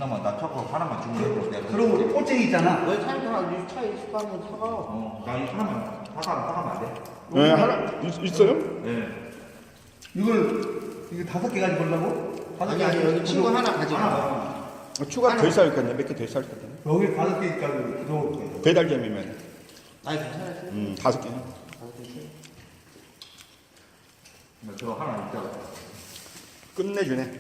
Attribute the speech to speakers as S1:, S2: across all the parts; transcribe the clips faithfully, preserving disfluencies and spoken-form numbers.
S1: 미친놈아, 나 저거 하나만 주면 돼.
S2: 그럼 우리 꼬쟁이 있잖아.
S1: 왜 차에 가? 이 차에 있을 거 하면 사가. 어, 나 이 하나만 사가, 사가면 안 돼?
S3: 네, 하나 있, 있어요?
S1: 네.
S2: 이걸 이거 다섯 개 가지고 오려고? 다섯
S1: 아니,
S2: 개
S1: 아니,
S2: 가지고
S1: 여기 친구 하나 가지고.
S2: 하나.
S3: 어, 추가 더 있어야 할 거네. 몇 개 더 있어야 할 거네.
S2: 여기 다섯 개 있다고 기도올 거예요.
S3: 배달점이면
S1: 아니, 괜찮아요.
S3: 음, 다섯 개.
S1: 다섯 개 있어요. 저 하나 있다고.
S3: 끝내주네.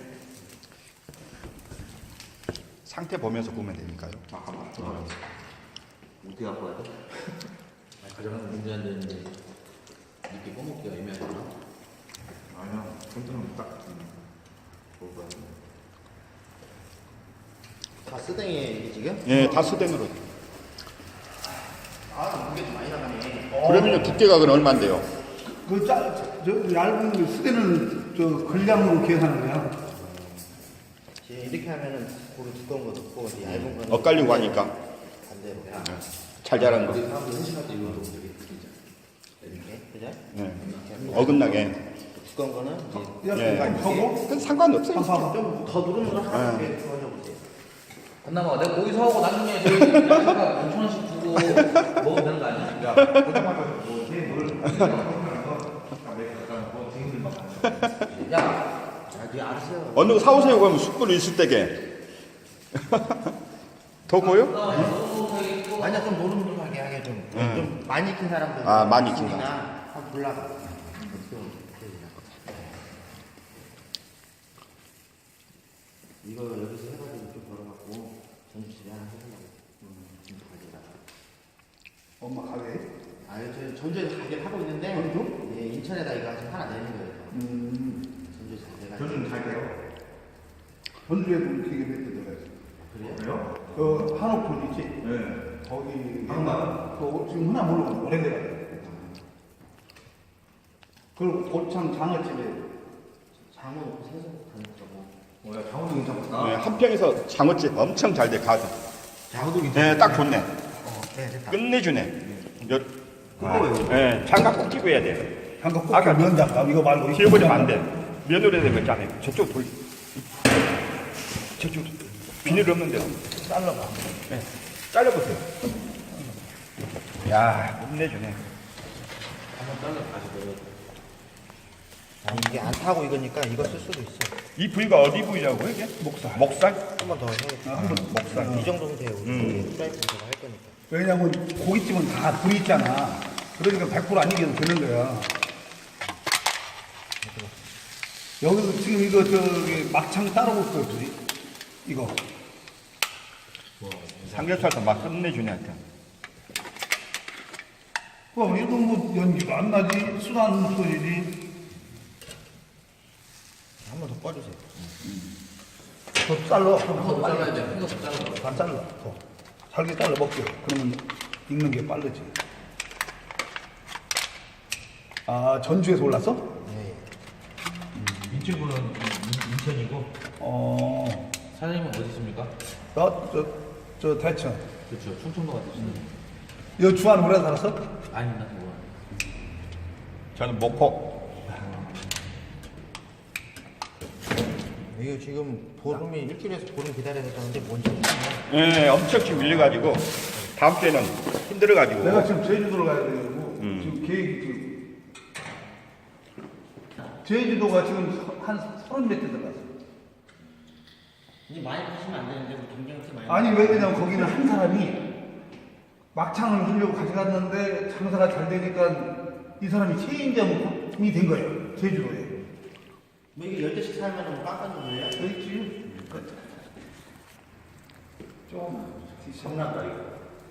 S3: 상태 보면서 보면 되니까요.
S1: 잠깐만. 어. 어떻게 갖고 와야 돼? 가져가는 문제 안 되는데 이렇게 꺼먹기가 애매하구나. 아니야, 손등은 딱 먹어야 돼. 다 쓰댕이에 이게 지금?
S3: 예, 다 수댕으로.
S1: 아, 무게 좀 많이 나가네.
S3: 그러면요 두께가 그건 얼마인데요?
S2: 그 짜, 저, 저 얇은 그 수대는 저 근량으로 계산하는 거야.
S1: 이렇게 하면은 고루 두꺼운 거 넣고 이제 얇은 거는
S3: 엇갈리고 하니까
S1: 반대로.
S3: 잘 자란 거.
S1: 우리 사람들 회식할 때 이거 너무 되게 느끼죠. 이렇게, 그죠?
S3: 네.
S1: 이렇게
S3: 어긋나게.
S1: 두꺼운 거는 이제
S3: 예.
S2: 이렇게 하고
S3: 그건 상관없어요.
S2: 한번
S1: 좀 더 누르는 걸 하나 이렇게 보여줘보세요.
S4: 끝나고 내가 거기서 하고 나중에 저기 야채가 오천 원씩 주고 먹으면 되는 거 아니야?
S1: 야, 그때마다 뭐, 걔 뭘,
S4: 야,
S1: 야, 네 알았어요.
S3: 어느 거 사오세요 그러면 숯불 있을 때게. 더 고요?
S1: 아니야, 좀 노릇노릇하게 하게 좀,
S3: 음.
S1: 좀 많이 익힌 사람들.
S3: 아, 많이 익힌
S1: 나 한번 골라봐. 어떻게 되냐. 이거 여기서 해가지고 좀 벌어갖고 전주집에 하나 해보려고. 음, 좀 가져다가.
S2: 엄마 가게.
S1: 아, 저 전주에서 가게를 하고 있는데,
S2: 전주?
S1: 예, 인천에다 이거 지금 하나 내는 거예요.
S2: 음,
S1: 전주에서 내가.
S2: 저는 잘 돼요. 전주에도 되게 몇 대 들어가있어.
S1: 그래요?
S2: 그 한옥촌 있지?
S1: 네.
S2: 거기
S1: 한옥?
S2: 그 지금 흔한 모르고 오래돼가지고. 그리고 고창 장어집에
S1: 장어 놓고 생선 가는 거고.
S2: 뭐야 장어도 괜찮다.
S3: 네, 한평에서 장어집 엄청 잘 돼 가서.
S2: 장어도
S3: 네, 딱 좋네.
S1: 어, 네, 됐다.
S3: 끝내주네. 여,
S2: 그거
S3: 네, 장갑 꼭 끼고 해야 돼.
S2: 장갑 꼭
S3: 아까
S2: 면 장갑 이거 말고
S3: 씌워버리면 안 돼. 면으로 해야 되는 거 있잖아요. 저쪽 돌. 저쪽 비닐 없는데.
S2: 잘라봐.
S3: 네, 잘라보세요. 야, 끝내주네.
S4: 한번 잘라 가지고.
S1: 아니, 이게 안 타고 이거니까 이거 쓸 수도 있어.
S3: 이 부위가 어디 부위라고요, 이게? 목살. 목살?
S1: 한 번 더 해야겠다.
S2: 한번
S3: 목살.
S1: 이 정도면 돼요. 우리
S3: 음.
S1: 프라이팬에서 할 거니까.
S2: 왜냐면 고깃집은 다 불이 있잖아. 그러니까 백 퍼센트 안 익혀도 되는 거야. 여기서 지금 이거 저기 막창 따로 올 거야, 둘이. 이거.
S3: 삼겹살도 막 끝내주네, 하여튼.
S2: 그럼 이거 뭐 연기가 안 나지? 순한 소리지.
S1: 한 번 더 꺼주세요.
S2: 더 잘라.
S4: 한번 잘라야 돼. 큰거 잘라.
S2: 반 잘라. 더. 잘게 잘라 먹게. 그러면 익는 게 빠르지. 아, 전주에서 올랐어?
S1: 네.
S4: 이 친구는 인천이고
S2: 어,
S4: 사장님은 어디 있습니까?
S2: 나, 저, 저 대천.
S4: 그렇죠. 충청도 같으시네
S2: 여 주한 오래 살았어?
S4: 아닙니다. 뭐.
S3: 저는 목포.
S1: 이거 지금 보름이 일주일에서 보름 기다려야 되는데 뭔지 모르겠네.
S3: 예, 엄청 지금 밀려가지고, 다음 주에는 힘들어가지고.
S2: 내가 지금 제주도로 가야 되고
S3: 음.
S2: 지금 계획이 지금 제주도가 지금 한 서른 몇 대 들어갔어.
S1: 이제 많이 파시면 안 되는데 뭐 경쟁치 많이.
S2: 아니 왜 그러냐면 거기는 한 사람이 막창을 하려고 가져갔는데 장사가 잘 되니까 이 사람이 체인점이 된 거예요. 제주도에.
S1: 뭐 이게 열 대씩 살면 뭐 깎아주는 거예요?
S2: 그렇지. 좀
S1: 성난다 이거.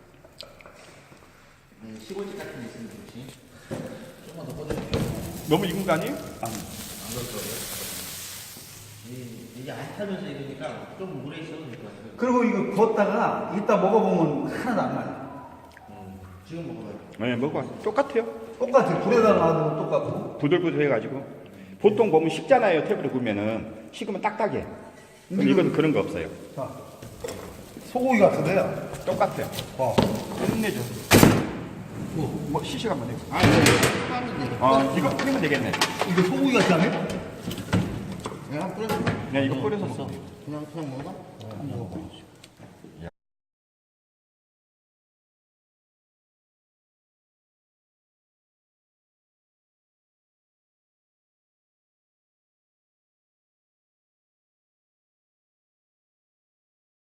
S1: 네, 시골집 같은 데 있으면 좋지.
S4: 조금만 더 꺼내주세요.
S3: 너무 익은 거 아니에요?
S4: 안 그렇더라고요.
S1: 이- 이게 안 타면서 이러니까 좀 물에 있어도 될 것 같아요.
S2: 그리고 이거 구웠다가 이따 먹어보면 하나도 안 나요.
S1: 지금 먹어봐요.
S3: 네, 먹어. 똑같아요.
S2: 똑같아. 불에다 놔도 똑같고.
S3: 부들부들해가지고. 보통 보면 식잖아요, 탭으로 구우면은. 식으면 딱딱해. 근데 이건 그런 거 없어요.
S2: 자, 소고기 같은데요.
S3: 똑같아요.
S2: 어.
S3: 끝내줘. 뭐, 시식 한번 해.
S1: 아, 이거 하면 돼.
S3: 어, 이거 끓이면 되겠네.
S2: 이거 소고기 같지 않아요?
S1: 내가 뿌려줄게.
S3: 그냥 이거 뿌려서
S1: 됐어.
S3: 먹으면 돼요.
S1: 그냥 그냥 먹어?
S2: 안 먹어.